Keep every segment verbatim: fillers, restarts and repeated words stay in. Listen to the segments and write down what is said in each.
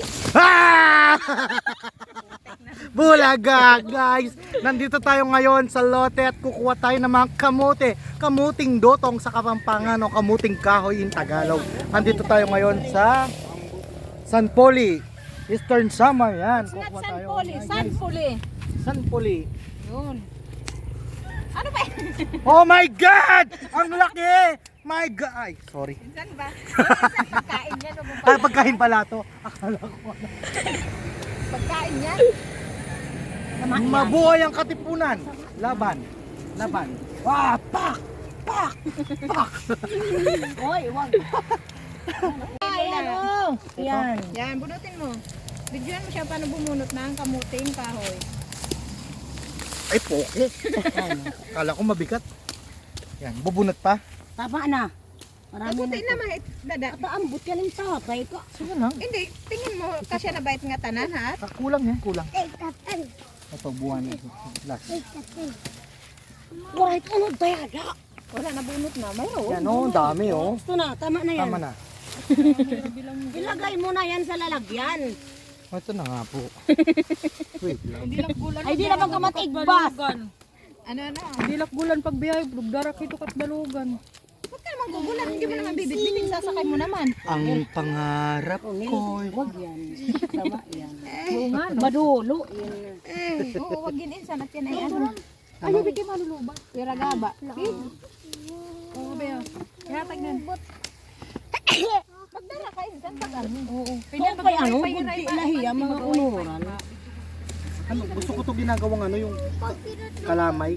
Ah! Bulaga guys! Nandito tayo ngayon sa lote at kukuha tayo ng mga kamote. Kamuting dotong sa Kapampangan o kamuting kahoy in Tagalog. Nandito tayo ngayon sa San Poli, Eastern Samar. Yan, It's not kukuha San tayo. Poli, San Poli. San Poli. Yun. Ano ba yun? Oh my God! Ang laki! My God! Ay, sorry. Saan ba? Saan pagkain yan? O Ay, pagkain pala to. Akala ko. Pagkain yan? Mabuhay ang katipunan. Laban. Laban. Wah, pak! Pak! Pak! Oy, wag. Ayan o. Yan. Yan, bunutin mo. Bidyoan mo siya paano bumunot ng kamuting kahoy. Ay, poke. Akala ko mabigat. Yan, bubunot pa. Tama na. Marami Kamutin na. na mahit. Dada. Paambot ka ng tatay ko. Sige lang. Hindi, tingin mo kasi na bait nga tanan ha. Ah, kulang yan, kulang. Eh, tatay. Ito, buwan. Last. Eh, tatay. Kahit ano dayada. Wala na bunot na. Mayroon. Yan o, oh, dami o. Oh. Gusto na, tama na yan. Tama na. Ilagay mo na yan sa lalagyan. Oh, ito na nga po. Wait lang. Ay, di naman ka matigbas. Ano na? Dilak-bulan pag biyahe, darak ito kat balugan. Huwag ka naman gugulan. Hindi mo naman bibit-biting. Sasakay mo naman. Ang pangarap ko. Wag yan. Tama yan. Oo nga no. Madulo. Yan. Eh, oo, wag ginin-insan at yan ay ano. Ano bigyan maluluba? Pira gaba. Oo, Beo. Kaya tagnan. Magdala ka insan pag ano. Oo. Kung pa ano, bunti lahiya mga unuran. Ano, gusto ko to ginagawang ano, yung kalamay.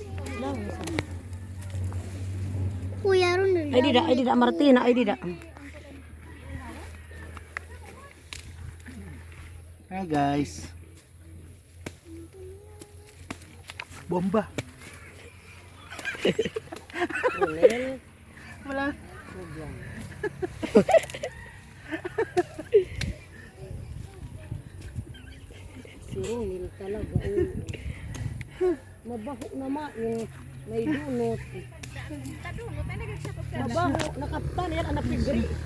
Ay, di da, ay, di da, Martina, ay, di da. Hi guys. Bomba. Wala. Sirungin talaga. eh. Mabaho naman yung may dunot. Mabaho, nakaptan yan, ang napigri ko.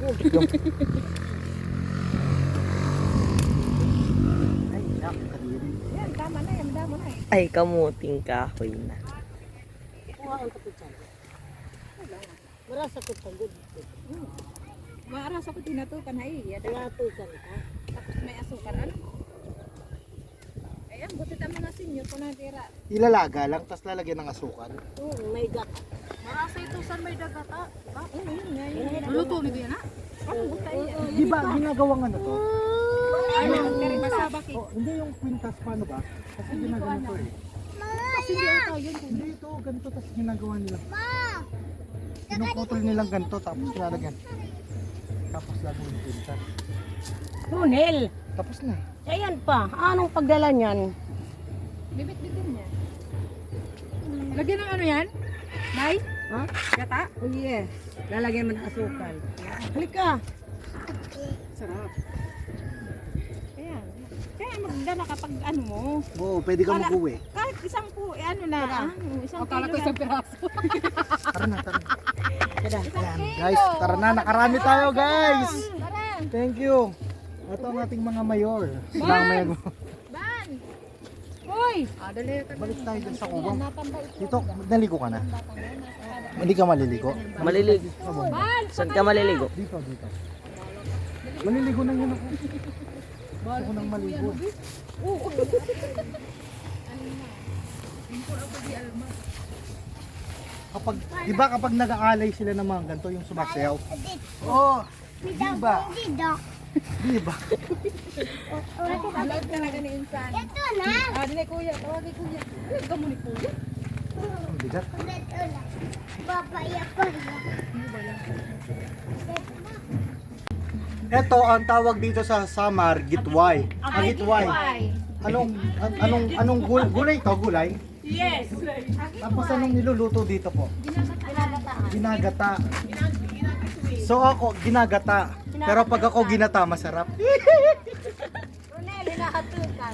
Ay, nakakadiri. Yan, tama na yan. Damo na eh. Ay, kamuting kahoy na. Kuha ang kapuchan. Marasa ko pagod. Maaras ako tinatukan na eh. Yan. Tinatukan ka. Tapos may asukar. Ano? Ayan, buti tama na sinyo kung natira. Ilalaga lang, tapos lalagyan ng asukal. Hmm, may gat. Marasa ito saan may dagata. Oo, yun nga. Yun. Luluto ni Bia na? Ano, buta yan. Di ba ginagawang ano to? Ano, karibas. Oh, hindi yung quintas, paano ba? Kasi ginagawa to eh. Kasi hindi ata yun. Hindi ito, ganito, tapos ginagawa nila. Pinuputol nilang ganito, tapos lalagyan. Tapos lagyan yung quintas. Tunel. Tapos na. Ayan pa. Anong pagdala niyan? Bibit-bitin niya. Lagyan ng ano yan? Nay? Ha? Gata? Oh yes. Lalagyan mo ng asukal. Halika. Sarap. Ayan. Kaya magdala kapag ano mo. Oo, pwede ka mag-uwi. Kahit isang po, eh, ano na. ah, Isang Akala kilo ko yan. isang piraso. Tara na, tara na. Kada. Ayan, guys, tara na, nakarami tayo guys. Tara. Thank you. Ito ang ating mga mayor. Silang mayor. Ban! Hoy! Ah, dali. Balik tayo dun sa kubang. Natanda ito. Dito, naligo ka na. Hindi ka maliligo. Maliligo. Ban! Saan ka maliligo? Dito, dito. Maliligo na yun ako. Gusto ko nang maligo. Kapag, di ba kapag nag-aalay sila ng mga ganito yung sumasayaw? Oh, di ba? Di ba? Vlog talaga ni Insan. Ito na! Ah, dili kuya. Tawagin kuya. Vlog ka mo ni kuya. Ang bigat. Ito ang tawag dito sa Samar, gitway. Ang gitway. Anong an- anong anong gul- gulay to, gulay? Yes! Tapos anong niluluto dito po? Ginagata. So ako ginagata. Pero pag ako ginata, masarap. Ronel, hinahatukan.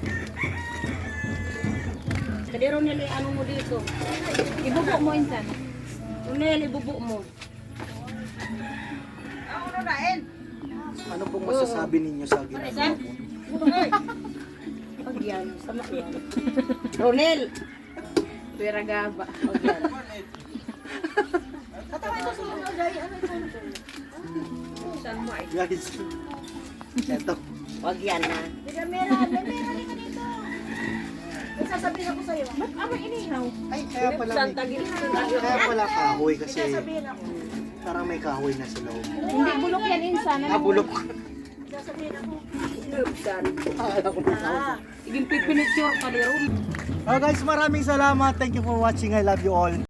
Kadi Ronel, ano mo dito? Ibubo mo Insan. Ronel, ibubo mo. Ano na, En? Ano pong masasabi ninyo sa ginagawa po? Pag yan, sama yan. Ronel! Pera gaba. Pag yan. Guys, eto. Pag yan na. Ay, kaya pala may, kaya pala kahoy kasi parang may kahoy na sa loob. Hindi bulok yan insan. Ah, bulok. Lubsan. Akala ko na kahoy. Iging pipinitsure pa ni Ron. Oh guys, maraming salamat. Thank you for watching. I love you all.